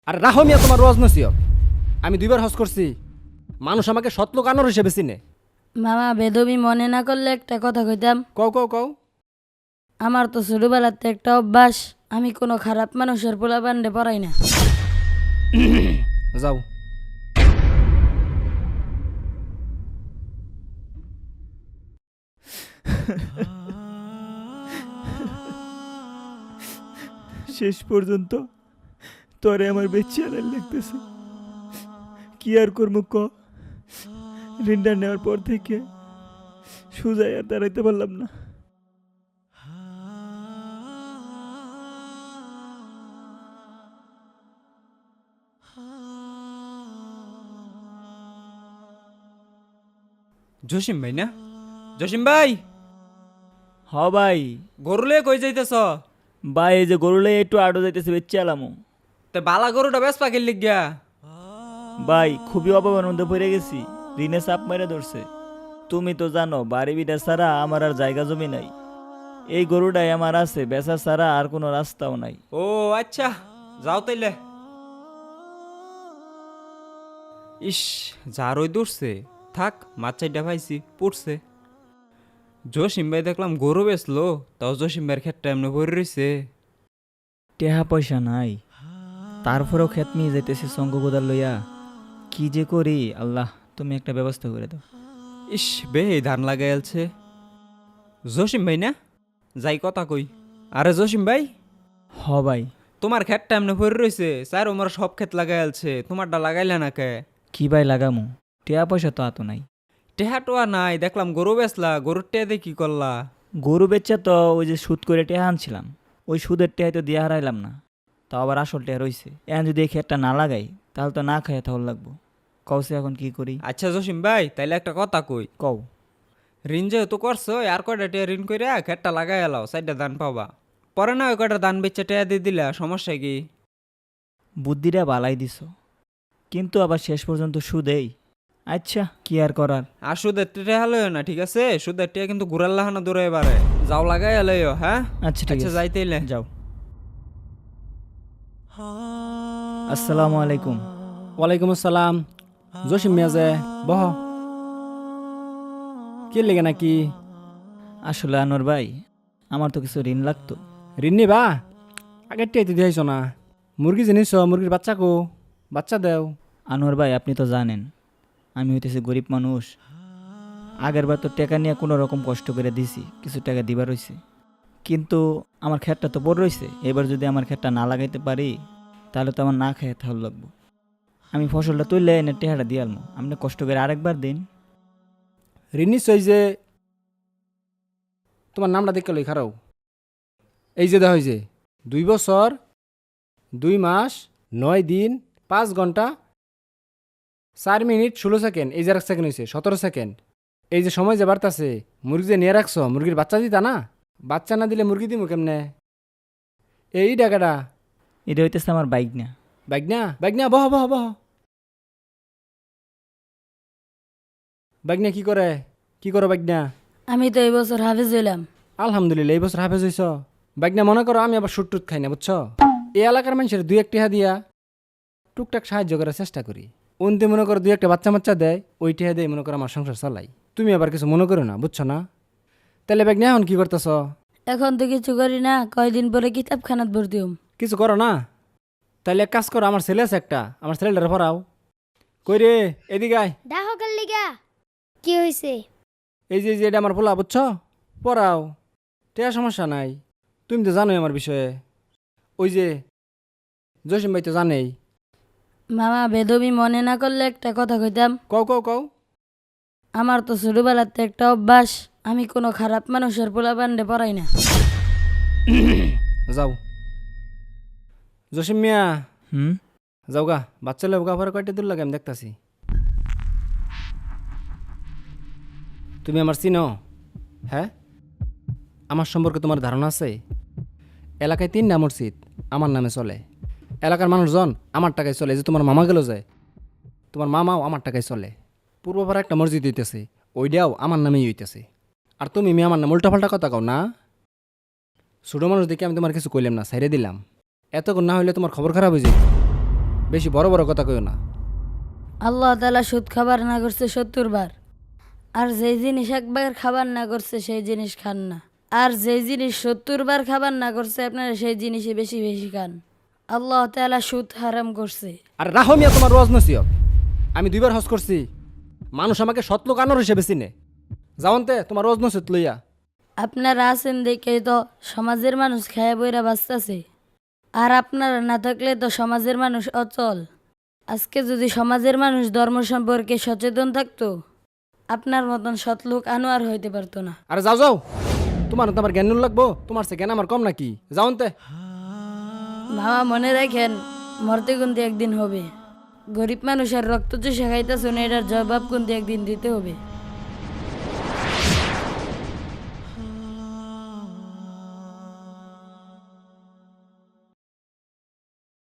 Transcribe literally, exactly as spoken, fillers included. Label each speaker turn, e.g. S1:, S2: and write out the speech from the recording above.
S1: আর রাহো মিয়া তোমার রোজ নসিহত। আমি দুইবার হজ করছি, মানুষ আমাকে সতলোক আনোর হিসেবে চিনে।
S2: মামা বেদবি মনে না করলে একটা কথা কইতাম।
S1: কও কও কও।
S2: আমার তো ছোটবেলাতে একটা অভ্যাস, আমি কোনো খারাপ মানুষের পোলা বান্ডে পড়াই না।
S1: যাও।
S3: শেষ পর্যন্ত তরে আমার বেঁচে আনার লাগতেছে। কি আর করবো ক, রিন্ডার নেওয়ার পর থেকে সুজাই আর দাঁড়াইতে পারলাম না।
S4: জসিম ভাই না? জসিম ভাই,
S3: হ ভাই।
S4: গরুলে কই যাইতেছ?
S3: ভাই এই যে গরুলে একটু আডো যাইতেছে বেঁচে আলামো।
S4: তে বালা গরুটা বেশ পাখির লিগিয়া।
S3: ভাই খুবই অভাবের মধ্যে পড়ে গেছি, ঋণে চাপ মেরে ধরছে। তুমি তো জানো বাড়ি বিটা ছাড়া আমার আর জায়গা জমি নাই। এই গরুটাই আমার আছে, বেচা ছাড়া আর কোনো রাস্তাও নাই।
S4: ও আচ্ছা, যাও তাইলে। ইস, যার ওই দূরছে থাক, মাছ চাইটা পাইছি পড়ছে। জসিম ভাই দেখলাম গরু বেচলো, তাও জসিম ভাইয়ের ক্ষেতটা এমনি ভরে রয়েছে।
S3: টেহা পয়সা নাই, তারপরেও খেত নিয়ে যাইতেছি সঙ্গ গোদার লইয়া। কি যে করি, আল্লাহ তুমি একটা ব্যবস্থা করে দাও।
S4: ইস বে, ধান লাগাইলছে। জসিম ভাই না? যাই কথা কই। আরে জসিম ভাই,
S3: হ ভাই।
S4: তোমার ক্ষেতটা এমনি ভরে রয়েছে, স্যার ওমার সব ক্ষেত লাগাইলছে, তোমারটা লাগাইলে না কে?
S3: কি ভাই লাগামু, টেহা পয়সা তো আতো নাই।
S4: টেহা টোয়া নাই, দেখলাম গরু বেচলা, গরুর টেহা দিয়ে কি করলা?
S3: গরু বেচা তো ওই যে সুদ করে টেহা আনছিলাম, ওই সুদের টেহাই তো দিয়ে হারাইলাম না, তাও আবার আসল টেহা রইছে। এখন যদি এই খেতটা না লাগাই তাহলে তো না খাইয়া তাহলে লাগবো। কওসে এখন কি করি?
S4: আচ্ছা জসিম ভাই, তাইলে একটা কথা কই।
S3: কও।
S4: ঋণ যেহেতু করছো, আর কয়টা টেয়া ঋণ করে খেতটা লাগাই এলাও, চারটা ধান পাবা। পরে না ওই কয়টা ধান বেচে টেয়া দিয়ে দিলা, সমস্যা কি?
S3: বুদ্ধিটা বালাই দিছ, কিন্তু আবার শেষ পর্যন্ত সুদেই। আচ্ছা কি আর করার।
S4: আর সুদের টেয়া লইও না, ঠিক আছে? সুদের টেয়া কিন্তু ঘুরার লাহানা দূরে এবারে। যাও লাগাই এলাইও, হ্যাঁ?
S3: আচ্ছা ঠিক
S4: আচ্ছা
S3: আছে,
S4: যাইতেইলে
S3: যাও। আসসালামু আলাইকুম।
S1: ওয়ালাইকুম আসসালাম। জসিম মিয়া যে, বহ। কি লেগে নাকি?
S3: আসলে আনোয়ার ভাই, আমার তো কিছু ঋণ লাগতো।
S1: ঋণ নিবা? আগের টেয়াইতে দিয়েছ না। মুরগি জিনিস, মুরগির বাচ্চা কো, বাচ্চা দেও।
S3: আনোয়ার ভাই আপনি তো জানেন আমি হইতেছি গরিব মানুষ। আগের বার তো টাকা নিয়ে কোনো রকম কষ্ট করে দিছি, কিছু টাকা দিবার রইছে, কিন্তু আমার ক্ষেতটা তো বড় রইছে। এবার যদি আমার ক্ষেতটা না লাগাইতে পারি তাহলে তো আমার না খেয়ে তাহলে লাগবো। আমি ফসলটা তুললে এনে টেহাটা দিয়ে আলমো, আপনি কষ্ট করে আরেকবার দিন।
S1: ঋণ নিশ্চয় যে, তোমার নামটা দেখে লই খারাও। এই যে দেখ, যে দুই বছর দুই মাস নয় দিন পাঁচ ঘন্টা চার মিনিট ষোলো সেকেন্ড, এই যে এক সেকেন্ড হয়েছে সতেরো সেকেন্ড। এই যে সময় যে বাড়তাছে, মুরগি যে নিয়ে রাখছ, মুরগির বাচ্চা দিতা না? বাচ্চা না দিলে মুরগি দিমু কেমনে? এই টাকাটা।
S3: এটা হইতেছে আমার বাইক না।
S1: বাইক না, বাইক না, বহ বহ বহ। বাইক না কি করে, কি করো বাইক না?
S2: আমি তো এই বছর হাফেজ হইলাম।
S1: আলহামদুলিল্লাহ, এই বছর হাফেজ হইছ। বাইক না মনে করো আমি আবার শুট টুট খাই না, বুঝছো? এই এলাকার মানুষের দুই একটি হা দিয়া টুকটাক সাহায্য করার চেষ্টা করি। অন্তে মনে করো দুই একটা বাচ্চা বাচ্চা দেয়, ওই টিহা দেয় মনে করো আমার সংসার চালাই। তুমি আবার কিছু মনে করো না, বুঝছো না? তাহলে বাইক না এখন কি করতেছ?
S2: এখন তো কিছু করি না, কয়দিন পরে কিতাবখানাত ভর্তি হম।
S1: কিছু করো না? তাইলে এক কাজ করো, আমার ছেলে আছে একটা, আমার ছেলেটারে পড়াও। কই রে, এদিকে আয়।
S5: ডাহকার লিগা কি হয়েছে?
S1: এই যে যে এটা আমার পোলা, বুঝছো? পড়াও, টেয়া সমস্যা নাই। তুমি তো জানোই আমার বিষয়ে। ওই যে জসিম ভাই তো জানেই।
S2: মামা বেদবি মনে না করলে একটা কথা কইতাম।
S1: কও কও কও।
S2: আমার তো ছোটবেলাতে একটা অভ্যাস, আমি কোনো খারাপ মানুষের পোলা বান্ডে পড়াই না।
S1: যাও জসিম মিয়া,
S3: হুম।
S1: যাও গা। বাচ্চা লোক গা পরে কয়টা দূর লাগে আমি দেখতাছি। তুমি আমার চিনো? হ্যাঁ, আমার সম্পর্কে তোমার ধারণা আছে? এলাকায় তিনটা মসজিদ আমার নামে চলে, এলাকার মানুষজন আমার টাকায় চলে। যে তোমার মামা গেল যায়, তোমার মামাও আমার টাকায় চলে। পূর্বপাড়া একটা মসজিদ হইতেছে, ওইটাও আমার নামেই হইতেছে। আর তুমি মেয়ে আমার নাম উল্টাপাল্টা কথা কও না। ছোটো মানুষ দেখে আমি তোমার কিছু কইলাম না, সাইরে দিলাম। এতক্ষণ না হইলে তোমার খবর খারাপ হয়ে যায়। বেশি বড় বড় কথা কইও না।
S2: আল্লাহ তাআলা সুদ খাবার না করছে সত্তর বার, আর যেই জিনিস একবার খাবার না করছে সেই জিনিস খান না, আর যেই জিনিস সত্তর বার খাবার না করছে আপনারা সেই জিনিসই বেশি বেশি খান। আল্লাহ তাআলা সুদ হারাম করছে।
S1: আর রাহো মিয়া তোমার রোজ নসিহত। আমি দুইবার হজ করছি, মানুষ আমাকে সতলোক আনোর হিসেবে চিনে। যাওনতে তোমার রোজ নসিহত লইয়া।
S2: আপনারা আছেন দেখেই তো সমাজের মানুষ খায়া বইরা বাঁচতেছে, আর আপনারা না থাকলে তো সমাজের মানুষ অচল। আজকে যদি সমাজের মানুষ ধর্ম সম্পর্কে সচেতন থাকতো, আপনার মতন সৎলোক আনোয়ার হইতে পারতো না।
S1: আরে যাও যাও, তোমার তো আমার জ্ঞান নুন লাগবো, তোমার সে জ্ঞান আমার কম নাকি? যাওনতে।
S2: মামা মনে রাখেন, মরতে কিন্তু একদিন হবে। গরিব মানুষের রক্ত চুষে খাইতেছেন, এটার জবাব কিন্তু একদিন দিতে হবে।